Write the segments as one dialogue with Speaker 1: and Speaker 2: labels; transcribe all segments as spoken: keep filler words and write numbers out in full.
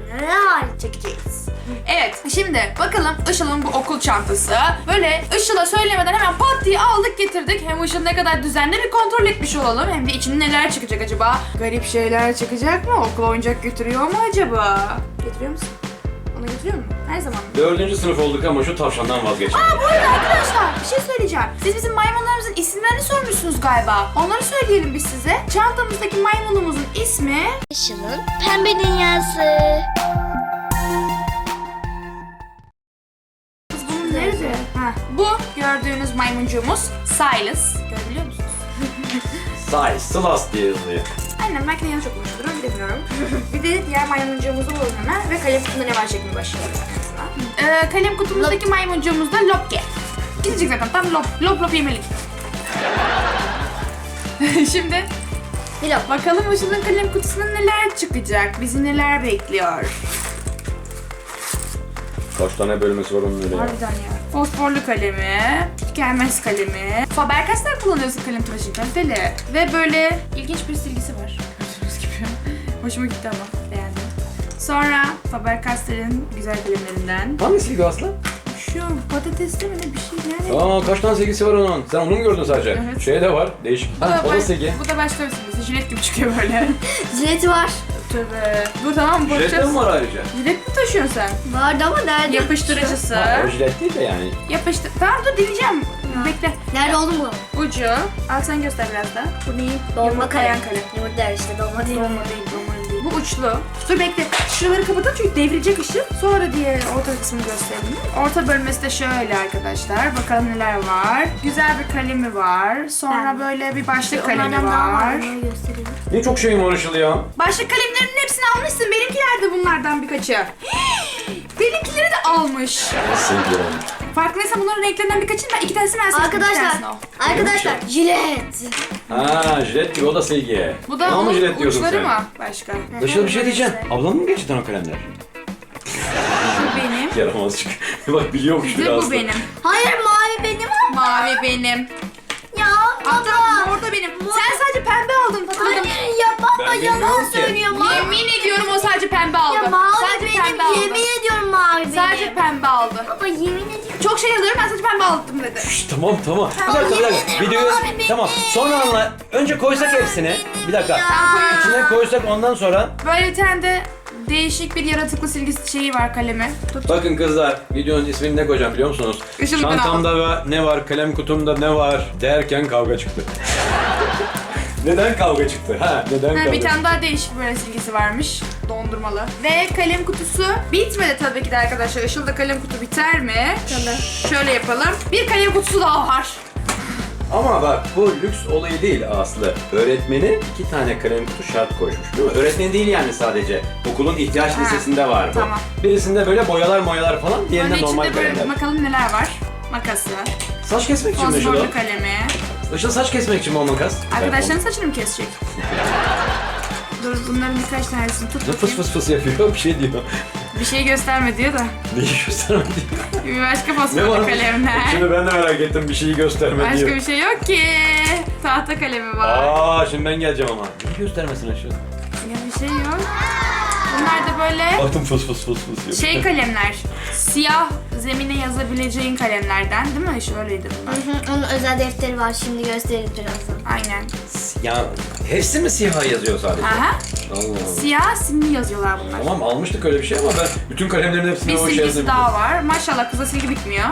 Speaker 1: neler çekeceğiz.
Speaker 2: Evet, şimdi bakalım Işıl'ın bu okul çantası. Böyle Işıl'a söylemeden hemen pat diye aldık getirdik. Hem Işıl ne kadar düzenli bir kontrol etmiş olalım. Hem de içinde neler çıkacak acaba? Garip şeyler çıkacak mı? Okula oyuncak götürüyor mu acaba? Getiriyor musun? Onu getiriyor mu? Her zaman.
Speaker 3: Dördüncü sınıf olduk ama şu tavşandan vazgeçelim.
Speaker 2: Aa bu arada arkadaşlar bir şey söyleyeceğim. Siz bizim maymunlarımızın isimlerini sormuşsunuz galiba. Onları söyleyelim biz size. Çantamızdaki maymunumuzun ismi...
Speaker 1: Işıl'ın pembe dünyası.
Speaker 2: Kız bunun nerede? Ha, bu gördüğünüz maymuncuğumuz Silas. Görebiliyor musunuz?
Speaker 3: Say, Sılas diye yazılıyor.
Speaker 2: Aynen belki de yanlış okumuştur onu bilemiyorum. Bir de diğer maymuncuğumuzu bulalım hemen ve kalem kutumda ne var şeklinde başlayalım. Ee, kalem kutumuzdaki maymuncuğumuz da Lopke. Gidecek zaten tam lop lop lop yemelik. Şimdi
Speaker 1: Lop.
Speaker 2: bakalım Işıl'ın kalem kutusunda neler çıkacak, bizi neler bekliyor.
Speaker 3: Kaç tane bölmesi var onun öyle ya.
Speaker 2: Harbiden ya. Fosforlu kalemi, tükenmez kalemi. Faber-Castell kullanıyorsun kalem tıraşı kaliteli. Ve böyle ilginç bir silgisi var. Gördüğünüz gibi. Hoşuma gitti ama beğendim. Sonra Faber-Castell'in güzel kalemlerinden.
Speaker 3: Hangi silgi Aslı?
Speaker 2: Şu patatesli mi ne bir şey yani.
Speaker 3: Aa kaç tane silgisi var onun? Sen onu mu gördün sadece?
Speaker 2: Evet.
Speaker 3: Şey de var, değişik.
Speaker 2: Bu da,
Speaker 3: Ha, o da
Speaker 2: baş-
Speaker 3: silgi.
Speaker 2: bu da başka bir silgisi. Jilet gibi çıkıyor böyle.
Speaker 1: Jileti var.
Speaker 2: Tövbe. Dur tamam mı?
Speaker 3: Jilet de
Speaker 2: Bakacağız.
Speaker 3: mi var ayrıca?
Speaker 2: Jilet mi taşıyorsun sen?
Speaker 1: Vardı ama nerede?
Speaker 2: Yapıştırıcısı.
Speaker 3: Ha, o jilet değil de yani.
Speaker 2: Yapıştır. Tamam dur deneyeceğim. Bekle.
Speaker 1: Nerede oldu mu?
Speaker 2: Ucu. Al sen göster biraz da. Bu ne?
Speaker 1: Dolma
Speaker 2: Yumurtlayan
Speaker 1: kalem.
Speaker 2: kalem.
Speaker 1: Yumurta işte dolma değil.
Speaker 2: Dolma değil, dolma değil. Bu uçlu. Dur bekle. Şuraları kapatalım çünkü devrilecek ışık. Sonra diğer orta kısmını gösterelim. Orta bölmesi de şöyle arkadaşlar. Bakalım neler var. Güzel bir kalemi var. Sonra
Speaker 1: Ben-
Speaker 2: böyle bir başlık kalemi
Speaker 1: Onlardan daha var.
Speaker 2: var.
Speaker 1: Onları göstereyim.
Speaker 3: Ne çok şeyim var Işıl ya.
Speaker 2: Başlık kalemlerinin hepsini almışsın. Benimkiler de bunlardan birkaçı. Benimkileri de almış.
Speaker 3: Silgi olmuş.
Speaker 2: Farkındaysan bunların renklerinden birkaçını ben iki tanesini ben seçtim. bir
Speaker 1: Arkadaşlar,
Speaker 2: tanesini o.
Speaker 1: arkadaşlar jilet.
Speaker 3: Ha jilet gibi o da silgi.
Speaker 2: Bu da
Speaker 3: Ama
Speaker 2: onun
Speaker 3: jilet diyorsun
Speaker 2: uçları
Speaker 3: sen.
Speaker 2: mı? Başka.
Speaker 3: Işıl bir şey diyeceğim. Ablanın mı gerçekten o kalemler?
Speaker 2: Bu benim.
Speaker 3: Yaramazcık. Bak biliyormuş
Speaker 2: Bir de
Speaker 3: biraz
Speaker 2: bu
Speaker 3: da.
Speaker 2: benim.
Speaker 1: Hayır mavi benim ama.
Speaker 2: Mavi benim.
Speaker 1: Ya
Speaker 2: Hatta
Speaker 1: baba.
Speaker 2: orada benim. Sen sadece pembe aldın hatırladım.
Speaker 1: Hayır ya baba
Speaker 3: Ben
Speaker 1: yalan
Speaker 3: bilmiyorum ki.
Speaker 1: söylüyor mavi.
Speaker 2: Yemin ediyorum o sadece pembe aldı.
Speaker 1: Ya mavi
Speaker 2: sadece pembe
Speaker 1: benim
Speaker 2: aldı.
Speaker 1: yemin ediyorum mavi benim.
Speaker 2: Sadece pembe aldı.
Speaker 1: Baba yemin ediyorum.
Speaker 2: Çok şey alıyorum ben sadece pembe aldım dedi.
Speaker 3: Şşş, tamam tamam. Bir
Speaker 1: Tamam,
Speaker 3: dakika bir dakika.
Speaker 1: yemin ederim
Speaker 3: Videoyu
Speaker 1: abi, benim.
Speaker 3: tamam. Sonra anla. Önce koysak hepsini. Bir dakika.
Speaker 1: Ya.
Speaker 3: İçine koysak ondan sonra.
Speaker 2: Böyle bir tane de değişik bir yaratıklı silgi şeyi var kalemi. Tut.
Speaker 3: Bakın kızlar, videonun ismini ne koyacağım biliyor musunuz?
Speaker 2: Işıl ben
Speaker 3: Çantamda ve ne var, kalem kutumda ne var derken kavga çıktı. Neden kavga çıktı? Ha, neden
Speaker 2: Ha,
Speaker 3: kavga
Speaker 2: bir
Speaker 3: çıktı?
Speaker 2: tane daha değişik böyle silgisi varmış. Dondurmalı. Ve kalem kutusu bitmedi tabii ki de arkadaşlar. Işıl'da kalem kutu biter mi? Şöyle yapalım. Bir kalem kutusu daha var.
Speaker 3: Ama bak bu lüks olayı değil Aslı. Öğretmeni iki tane kalem kutu şart koşmuş değil mi? Öğretmeni değil yani sadece. Okulun ihtiyaç
Speaker 2: Ha,
Speaker 3: listesinde var bu.
Speaker 2: tamam.
Speaker 3: Birisinde böyle boyalar moyalar falan, diğerinde
Speaker 2: Böyle
Speaker 3: normal
Speaker 2: içinde böyle
Speaker 3: kalemler.
Speaker 2: bakalım neler var. Makası,
Speaker 3: Saç kesmek için mi Işıl o?
Speaker 2: fosforlu kalemi.
Speaker 3: Işıl saç kesmek için mi o makas?
Speaker 2: Arkadaşların saçını mı kesecek? Dur bunların birkaç tanesini tut
Speaker 3: Ne fıs
Speaker 2: bakayım.
Speaker 3: fıs fıs yapıyor, bir şey diyor.
Speaker 2: Bir şey gösterme diyor da.
Speaker 3: Neyi gösterme diyor.
Speaker 2: Bir başka
Speaker 3: Ne
Speaker 2: fosforlu
Speaker 3: var?
Speaker 2: kalemler.
Speaker 3: Şimdi ben de merak ettim, bir şeyi gösterme
Speaker 2: Başka
Speaker 3: diyor.
Speaker 2: bir şey yok ki. Tahta kalemi var.
Speaker 3: Aa, şimdi ben geleceğim ama. Neyi göstermesin Işıl?
Speaker 2: Ya bir şey yok. Bunlar da böyle
Speaker 3: Baktım fıs fıs fıs fıs yapıyor.
Speaker 2: şey kalemler. Siyah zemine yazabileceğin kalemlerden değil mi? Şöyleydi bunlar.
Speaker 1: Hı hı, onun özel defteri var şimdi gösteririz birazdan.
Speaker 2: Aynen.
Speaker 3: Ya hepsi mi siyah yazıyor sadece?
Speaker 2: Aha.
Speaker 3: Allah Allah.
Speaker 2: Siyah simli yazıyorlar bunlar.
Speaker 3: Tamam almıştık öyle bir şey ama ben bütün kalemlerin hepsine
Speaker 2: Bir
Speaker 3: o şey
Speaker 2: silgisi
Speaker 3: yazdım.
Speaker 2: daha var. Maşallah kıza silgi bitmiyor.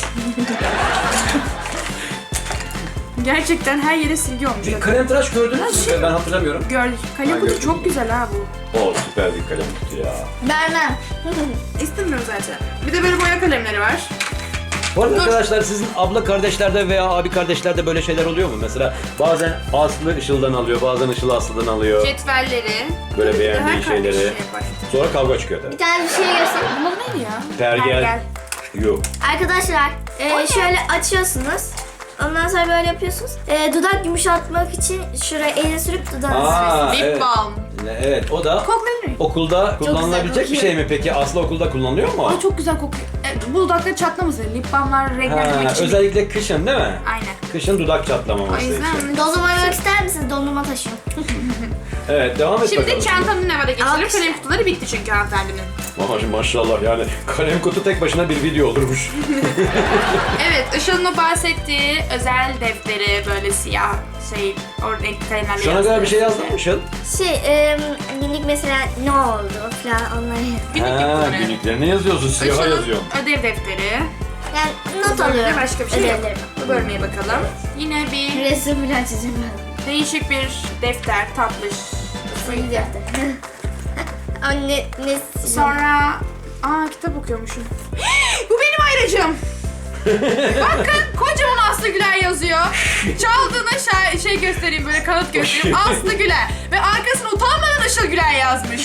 Speaker 2: Gerçekten her yere silgi olmuş.
Speaker 3: Bir kalem tıraş gördünüz mü? Ben hatırlamıyorum.
Speaker 2: Gördük. Kalem
Speaker 3: Ha,
Speaker 2: kutu
Speaker 3: gördüm.
Speaker 2: çok güzel ha bu.
Speaker 3: O süper bir kalem kutu ya.
Speaker 1: Vermem.
Speaker 2: İstemiyorum zaten. Bir de böyle boya kalemleri var.
Speaker 3: Bu arada
Speaker 2: Dur.
Speaker 3: arkadaşlar sizin abla kardeşlerde veya abi kardeşlerde böyle şeyler oluyor mu? Mesela bazen Aslı Işıl'dan alıyor, bazen Işıl Aslı'dan alıyor.
Speaker 2: Cetvelleri.
Speaker 3: Böyle
Speaker 2: Her
Speaker 3: beğendiği
Speaker 2: kardeş
Speaker 3: şeyleri.
Speaker 2: şey yapar.
Speaker 3: Sonra kavga çıkıyor
Speaker 1: Bir
Speaker 3: tabii.
Speaker 1: tane bir şey göstereyim.
Speaker 2: Bunlar neydi ya?
Speaker 3: Pergel. Yok.
Speaker 1: Arkadaşlar e, şöyle açıyorsunuz. Ondan sonra böyle yapıyorsunuz. E, dudak yumuşatmak için şuraya elini sürüp dudağınızı
Speaker 3: Aa,
Speaker 2: Lip
Speaker 3: evet.
Speaker 2: balm.
Speaker 3: Evet, o da
Speaker 2: Koklayabilir miyim?
Speaker 3: okulda kullanılabilecek bir
Speaker 1: kokuyor.
Speaker 3: şey mi peki? Aslı okulda kullanılıyor mu?
Speaker 2: Ay çok güzel kokuyor. e, bu dudakları çatlamasın. Lip balmlar renklendirmek
Speaker 3: Ha,
Speaker 2: için.
Speaker 3: özellikle kışın değil mi?
Speaker 2: Aynen.
Speaker 3: Kışın dudak
Speaker 2: O
Speaker 3: çatlamaması için.
Speaker 2: yüzden
Speaker 1: Dondurma yemek ister misiniz? Dondurma taşıyın.
Speaker 3: Evet, devam et bakalım.
Speaker 2: şimdi çantanın nevada geçelim.
Speaker 1: Alkış.
Speaker 2: Kalem kutuları bitti çünkü hanımefendinin.
Speaker 3: Maş- Maşallah yani kalem kutu tek başına bir video olurmuş.
Speaker 2: Evet, Işıl'ın o bahsettiği özel defteri böyle siyah şey, o renkli kalemlerle
Speaker 3: Şu ana kadar bir şey yazdın mı Işıl?
Speaker 1: Şey, e, günlük mesela ne oldu falan onları.
Speaker 2: Günlük
Speaker 3: Ha,
Speaker 2: yapıları.
Speaker 3: günlüklerine yazıyorsun, siyaha
Speaker 2: Işıl'ın
Speaker 3: yazıyorsun.
Speaker 2: ödev defteri.
Speaker 1: Yani not
Speaker 2: Bu bölümde
Speaker 1: alıyorum.
Speaker 2: başka bir şey yok.
Speaker 1: Ödevlerimi.
Speaker 2: Bu bölmeye bakalım. Yine bir
Speaker 1: Resim falan çizeceğim ben.
Speaker 2: değişik bir defter, tatlış.
Speaker 1: İyi defter. Anne ne?
Speaker 2: Sonra... Aa, kitap okuyormuşum. Bu benim ayracım. Bakın, kocaman Aslı Güler yazıyor. Çaldığına şey, şey göstereyim, böyle kanıt göstereyim. Aslı Güler. Ve arkasına utanmadan Işıl Güler yazmış.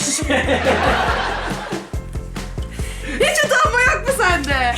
Speaker 2: Hiç utanma yok mu sende?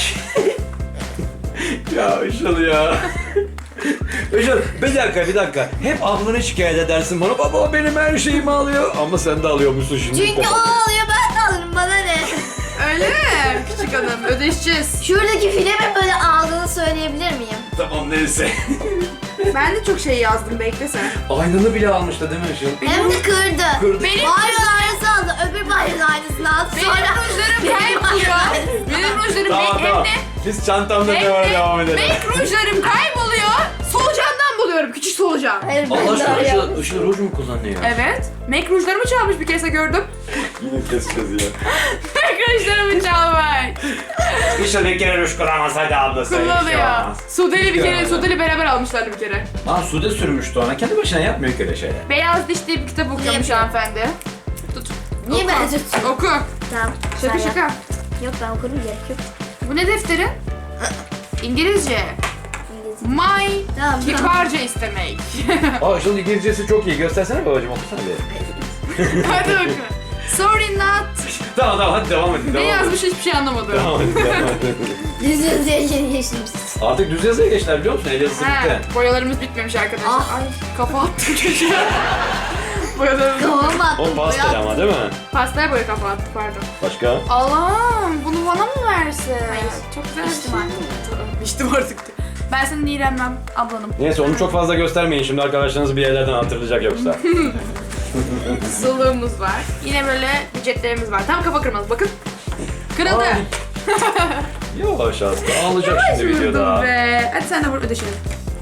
Speaker 3: Ya Işıl ya. Işıl bir dakika bir dakika. Hep ablanı şikayet edersin bana. Baba benim her şeyimi alıyor. Ama sen de alıyormuşsun şimdi.
Speaker 1: Çünkü o alıyor ben de alırım bana ne?
Speaker 2: Öyle mi? Küçük hanım, ödeşeceğiz.
Speaker 1: Şuradaki filmi böyle aldığını söyleyebilir miyim?
Speaker 3: Tamam neyse.
Speaker 2: Ben de çok şey yazdım, bekle sen.
Speaker 3: Aynını bile almıştı değil mi Işıl?
Speaker 1: Hem de kırdı.
Speaker 3: Kırdı.
Speaker 2: Benim
Speaker 1: Bayrağın aynısını aldı, öbür bayrağın aynısını aldı.
Speaker 2: Benim
Speaker 1: Sonra
Speaker 2: rujlarım kayboluyor. Benim rujlarım
Speaker 3: Tamam
Speaker 2: hem
Speaker 3: tamam.
Speaker 2: de
Speaker 3: Biz çantamda
Speaker 2: hem
Speaker 3: ne var
Speaker 2: de
Speaker 3: devam edelim.
Speaker 2: make rujlarım kayboluyor. Solucandan buluyorum, küçük solucan.
Speaker 1: Hayır ben
Speaker 3: Allah
Speaker 1: de
Speaker 3: aşkına
Speaker 1: arıyorum.
Speaker 3: Işıl, Işıl ruj mu kullanıyor?
Speaker 2: Evet. Make rujlarımı çalmış, bir kese gördüm.
Speaker 3: Yine keseceğiz ya.
Speaker 2: Make rujlarımı çalmış.
Speaker 3: Işıl bir kere ruj kullanmaz hadi ablası.
Speaker 2: Kullanıyor. Sudeli bir kere,
Speaker 3: Yani.
Speaker 2: Sudeli beraber almışlardı bir kere.
Speaker 3: Aa Sude sürmüştü ona. Kendi başına yapmıyor ki öyle şeyler.
Speaker 2: Beyaz Diş diye bir kitap okuyormuş
Speaker 1: yapıyor?
Speaker 2: hanımefendi. Tut.
Speaker 1: Niye
Speaker 2: Oku.
Speaker 1: ben tutuyorum?
Speaker 2: Oku.
Speaker 1: Tamam.
Speaker 2: Şaka
Speaker 1: sen yap.
Speaker 2: şaka.
Speaker 1: Yok ben okurum gerek yok.
Speaker 2: Bu ne defteri? İngilizce.
Speaker 1: İngilizce.
Speaker 2: My
Speaker 1: Tamam, tamam.
Speaker 2: kibarca istemek.
Speaker 3: Aa Işıl İngilizcesi çok iyi. Göstersene babacığım okusana bir.
Speaker 2: Hadi oku. Sorry not.
Speaker 3: Tamam tamam hadi devam edin.
Speaker 2: Ne
Speaker 3: Devam edin.
Speaker 2: yazmış hiçbir şey anlamadım.
Speaker 3: Devam edin. Devam edin.
Speaker 1: Düz yazıya yeni geçmiş.
Speaker 3: Artık düz yazıya geçtiler biliyor musun? El yazısı
Speaker 2: He,
Speaker 3: bitti.
Speaker 2: boyalarımız bitmemiş arkadaşlar.
Speaker 1: Ah.
Speaker 2: Ay, kafa attım çocuğa. Boyalarımız
Speaker 1: Kafama attım.
Speaker 3: O pastel ama değil mi?
Speaker 2: Pastel boya kafa attı, pardon.
Speaker 3: Başka?
Speaker 2: Allah'ım, bunu bana mı versin?
Speaker 1: Hayır.
Speaker 2: Çok güzel.
Speaker 1: İçtim artık.
Speaker 2: Tamam, İçtim artık. Ben senin iğrenmem ablanım.
Speaker 3: Neyse onu çok fazla göstermeyin şimdi arkadaşlarınız bir yerlerden hatırlayacak yoksa.
Speaker 2: Sılığımız var. Yine böyle ücretlerimiz var. Tam kafa kırmaz, bakın. Kırıldı.
Speaker 3: Ay. Yavaş Aslı ağlayacak şimdi
Speaker 2: Vurdum
Speaker 3: videoda.
Speaker 2: be. Hadi sen de vur, ödeşelim.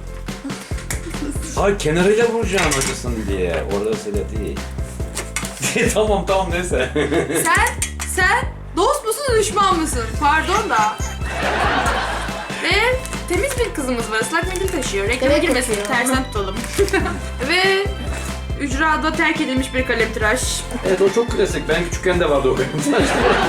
Speaker 3: Ay kenarıyla vuracağım acısın diye. Orada öyle değil. tamam tamam neyse.
Speaker 2: Sen, sen dost musun, düşman mısın? Pardon da. Ve temiz bir kızımız var. Islak mendil taşıyor. Reklama
Speaker 1: Evet,
Speaker 2: girmesin.
Speaker 1: taşıyor.
Speaker 2: Tersten tutalım. Ve ücrada terk edilmiş bir kalemtıraş.
Speaker 3: Evet o çok klasik. Ben küçükken de vardı o kalem taşları.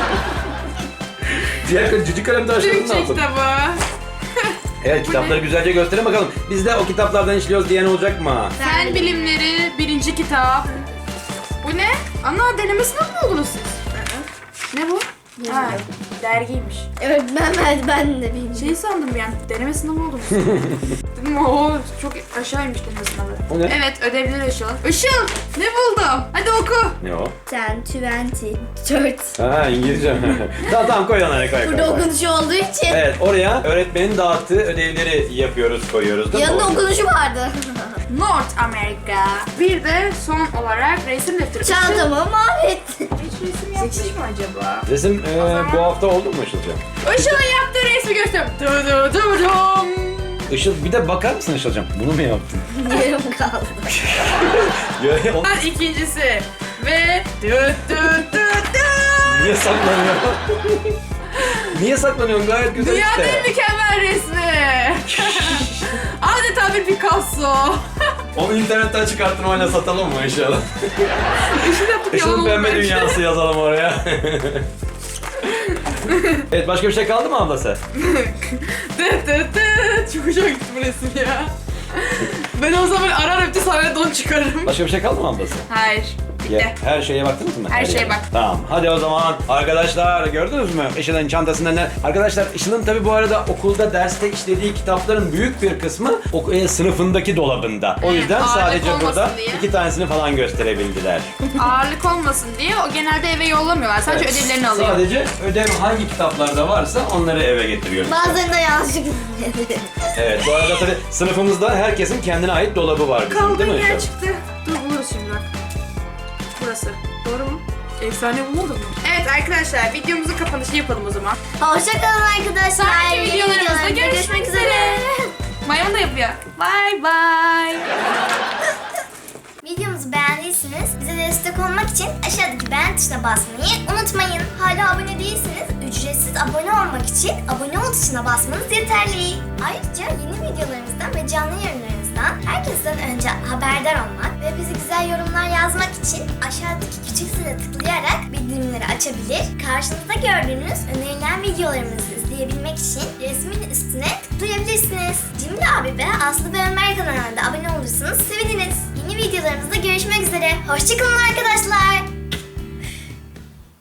Speaker 3: Diğer kal- cici kalem taşları ne
Speaker 2: Türkçe
Speaker 3: yapalım?
Speaker 2: kitabı.
Speaker 3: Evet kitapları güzelce gösterin bakalım. Biz de o kitaplardan işliyoruz diyen olacak mı?
Speaker 2: Fen bilimleri birinci kitap. Bu ne? Ana deneme sınavı mı oldunuz siz? Ne bu? Ha, dergiymiş.
Speaker 1: Evet ben ben, ben de bilmiyorum.
Speaker 2: Şey sandım yani, deneme sınavı oldunuz. Dedim o çok aşağıymış deneme sınavı.
Speaker 3: O ne?
Speaker 2: Evet, ödevleri Işıl. Işıl, ne buldum? Hadi oku.
Speaker 3: Ne o?
Speaker 1: Sen twenty dört.
Speaker 3: Ha İngilizce. tamam tamam koy onları koy koy.
Speaker 1: Burada
Speaker 3: koy.
Speaker 1: okunuşu olduğu için.
Speaker 3: Evet oraya öğretmenin dağıttığı ödevleri yapıyoruz koyuyoruz değil mi?
Speaker 1: Yanında
Speaker 3: babacığım?
Speaker 1: okunuşu vardı.
Speaker 2: North America. Bir de son olarak resim defteri.
Speaker 1: Çantamı mahvettin.
Speaker 2: Hiç resim yapmış mı acaba?
Speaker 3: Resim e,
Speaker 2: zaman-
Speaker 3: bu hafta oldu mu Işıl'cığım?
Speaker 2: Işıl'ın yaptığı resmi gösteriyorum. Du du du dum.
Speaker 3: Işıl bir de bakar mısın Işıl'cığım? Bunu mu yaptın?
Speaker 1: Yarım kaldı.
Speaker 3: Ya, o-
Speaker 2: Ben ikincisi. Ve du du du du.
Speaker 3: Niye saklanıyor? Niye saklanıyorsun? Gayet güzel
Speaker 2: Dünyanın en
Speaker 3: işte.
Speaker 2: mükemmel resmi. Adeta bir Picasso.
Speaker 3: Onu internetten çıkartmayla satalım mı inşallah?
Speaker 2: Işıl yaptık yalan
Speaker 3: Işıl'ın
Speaker 2: oldu
Speaker 3: pembe
Speaker 2: belki.
Speaker 3: dünyası yazalım oraya. Evet başka bir şey kaldı mı ablası?
Speaker 2: Dıt dıt dıt. Çok hoşuma gitti bu resim ya. Ben o zaman ararım bir sahneye don çıkarırım.
Speaker 3: Başka bir şey kaldı mı ablası?
Speaker 2: Hayır. Bitti.
Speaker 3: Ya, her şeye baktınız mı?
Speaker 2: Her şeye
Speaker 3: yere.
Speaker 2: bak.
Speaker 3: Tamam. Hadi o zaman arkadaşlar gördünüz mü Işıl'ın çantasında ne? Arkadaşlar Işıl'ın tabii bu arada okulda derste işlediği kitapların büyük bir kısmı o, e, sınıfındaki dolabında. O
Speaker 2: Evet,
Speaker 3: yüzden
Speaker 2: ağırlık
Speaker 3: sadece
Speaker 2: olmasın
Speaker 3: burada
Speaker 2: diye.
Speaker 3: iki tanesini falan gösterebildiler.
Speaker 2: Ağırlık olmasın diye o genelde eve yollamıyorlar. Sadece
Speaker 3: Evet,
Speaker 2: ödevlerini alıyor.
Speaker 3: Sadece ödev hangi kitaplarda varsa onları eve getiriyor.
Speaker 1: Bazılarında yanlışlıkla.
Speaker 3: Evet, bu arada tabii sınıfımızda herkesin kendine ait dolabı var bizim, değil
Speaker 2: Kaldığım
Speaker 3: mi
Speaker 2: yer
Speaker 3: Işıl?
Speaker 2: çıktı. Dur buluruz şimdi bak. Burası. Doğru mu? Efsane bulmadım mı? Evet arkadaşlar videomuzun kapanışı yapalım o zaman.
Speaker 1: Hoşçakalın arkadaşlar.
Speaker 2: Sonraki
Speaker 1: Yeni
Speaker 2: videolarımızda
Speaker 1: videolarda
Speaker 2: görüşmek üzere. Maymun da yapıyor. Bye bye.
Speaker 1: Videomuzu beğendiyseniz bize destek olmak için aşağıdaki beğen tuşuna basmayı unutmayın. Hala abone değilseniz ücretsiz abone olmak için abone ol tuşuna basmanız yeterli. Ayrıca yeni videolarımızdan ve canlı yayınlarımızdan herkesten önce haberdar olmak ve bize güzel yorumlar yazmak için aşağıdaki küçük zile tıklayarak bildirimleri açabilir. Karşınızda gördüğünüz önerilen videolarımızı izleyebilmek için resmin üstüne tıklayabilirsiniz. Cimri abi ve Aslı ve Ömer kanalına da abone olursanız seviniriz. Yeni videolarımızda görüşmek üzere. Hoşçakalın arkadaşlar.